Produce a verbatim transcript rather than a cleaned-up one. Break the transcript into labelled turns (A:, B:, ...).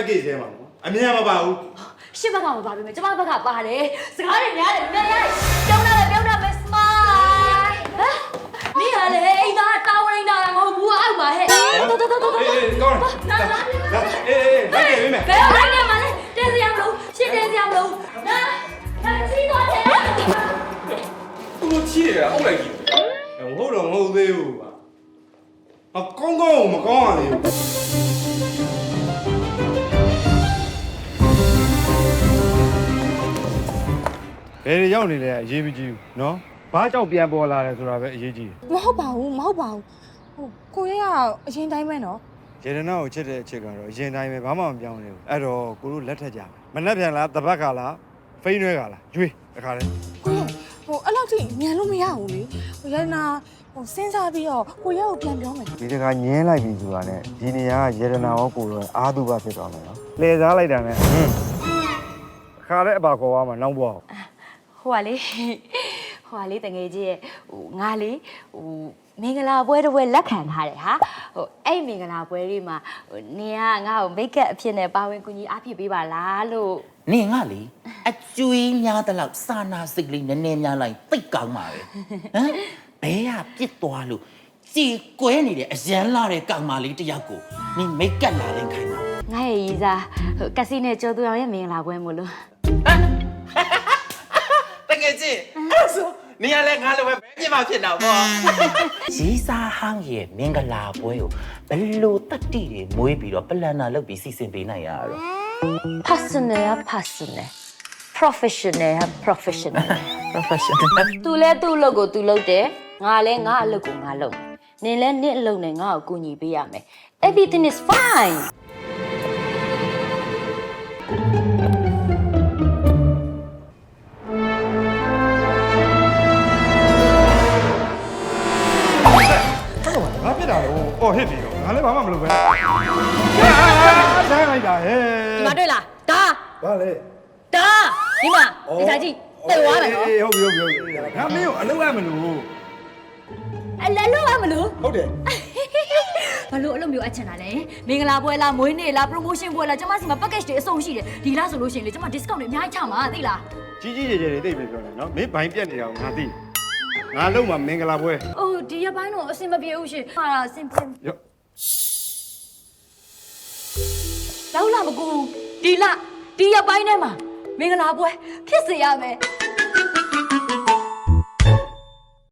A: package ထဲမှာပေါ့အမြင်မပါဘူး
B: ရှစ်ဘက်ကမပါပြီမယ်ကျမဘက်ကပါတယ်စကားတွေများတယ်မြန်ရတယ်ပြောင်းလာတယ်ပြောင်းလာမယ် smile ဟမ်နေရလေအိမ်သားတောင်းနေတာမဟုတ်ဘူးအောက်ပါဟဲ့တော်တော်တော်တော်
A: အေးကောင်းလာလာအေးအေးလိုက်နေပြီမယ်
B: ဘယ်လိုက်နေမှာလဲတင်းစရာမလို့ရှင်းတင်းစရာမလို့နာနာစီတော့တယ်
A: သူချီရအောင်လိုက်ကြီးမဟုတ်တော့မဟုတ်သေးဘူးပါအကောင်းကောင်းမကောင်းရသေးဘူးဘယ်ရောက်နေလဲအရေးမကြီးဘူးနော်ဘာကြောင့်ပြန်ပေါ်လာလဲဆိုတာပဲအရေးကြီးတယ်
C: မဟုတ်ပါဘူးမဟုတ်ပါဘူးဟိုကိုရဲကအရင်တိုင်းပဲနော်
A: ရေဒနာကိုချစ်တဲ့အချက်ကတော့အရင်တိုင်းပဲဘာမှမပြောင်းနေဘူးအဲ့တော့ကိုတို့လက်ထက်ကြမနှက်ပြန်လားတပတ်ကလားဖိန်းရွဲကလားကျွေးတခါလဲ
C: ကိုရဲဟိုအဲ့လောက်ထိမြန်လို့မရဘူးလေဟိုရဲနာဟိုစဉ်းစားပြီးတော့ကိုရဲကိုပြန်ပြောမယ်
A: ဒီတခါညင်းလိုက်ပြီဆိုတာနဲ့ဒီနေရာကရေဒနာရောကိုတော့အာသူဘဖြစ်သွားမယ်နော်လှည့်စားလိုက်တာနဲ့ဟင်းခါတဲ့အပါခေါ်သွားမှာနောက်ဘွား
B: ဟိုကလေဟိုကလေတငယ်ကြီးရဲ့ဟိုငါလေဟိုမင်္ဂလာပွဲတစ်ပွဲလက်ခံထားတယ်ဟာဟိုအဲ့မင်္ဂလာပွဲလေးမှာဟိုနင်ကငါ့ကိုမိတ်ကပ်အဖြစ်နဲ့ပါဝင်ကူညီအားဖြစ်ပေးပါလားလို့
D: နင်ငါလေအကျွေးများတဲ့လောက်စာနာစိတ်လေးနည်းနည်းများလိုက်သိတ်ကောင်းပါပဲဟမ်ဘဲကပြစ်သွားလို့ကြည်ကွဲနေတဲ့အရန်လာတဲ့ကောင်မလေးတယောက်ကိုနင်မိတ်ကပ်လာလိုက်ခိုင်းတာ
B: ငါရဲ့ရီစားဟိုကစီနဲ့ကျော်သူအောင်ရဲ့မင်္ဂလာပွဲမို့လို့
D: တကယ်ချင်းအဲ့ဆိုနေရလဲငါလည်းပဲဘယ်ပြစ်မှဖြစ်တော့ပေါ့ရီစာဟန်းရဲ့မင်္ဂလာပွဲကိုဘယ်လိုတတ်တိတွေမွေးပြီးတော့ပလန်နာလုပ်ပြီးစီစဉ်ပေးနိုင်ရတော့
B: personal personal professional professional
D: professional
B: သူလဲသူ့အလုပ်ကိုသူလုပ်တယ်ငါလဲငါအလုပ်ကိုငါလုပ်နင်လဲနင့်အလုပ်နဲ့ငါ့ကိုကူညီပေးရမယ် everything is fine
A: ဘာဖြစ်တာလဲအော်ဟစ်ပြီတော့ငါလည်းဘာမှမလုပ်ပဲဆိုင်လိုက်တာဟဲ့
B: ဒီမှာတွေ့လားဒါ
A: ဘာလဲ
B: ဒါဒီမှာဒီစားကြည့်ပြေသွားမယ်နော်
A: အေးဟုတ်ပြီဟုတ်ပြီဟုတ်ပြီငါမင်းကိုအလုပ်ရမလို့
B: အလည်းလုပ်ရမလို့
A: ဟုတ်တယ်
B: ဘာလို့အလုပ်မျိုးအချင်တာလဲမင်္ဂလာပွဲလားမွေးနေ့လား promotion ပွဲလားကျမစီမှာ package တွေအစုံရှိတယ်ဒီလားဆိုလို့ရှိရင်လေကျမ discount တွေအများကြီးချမှာသိလား
A: ကြီးကြီးကျယ်ကျယ်တွေသိပြီပြောတယ်နော်မင်းဘိုင်းပြက်နေတာကိုငါသိငါလုံးမှာမင်္ဂလာပွဲ
B: အိုးဒီရပိုင်းတော့အဆင်မပြေဘူးရှင်ဟာအဆင်ပြေ
A: ရော
B: လောက်လာမကူဒီလဒီရပိုင်းထဲမှာမင်္ဂလာပွဲဖြစ်စေရမယ်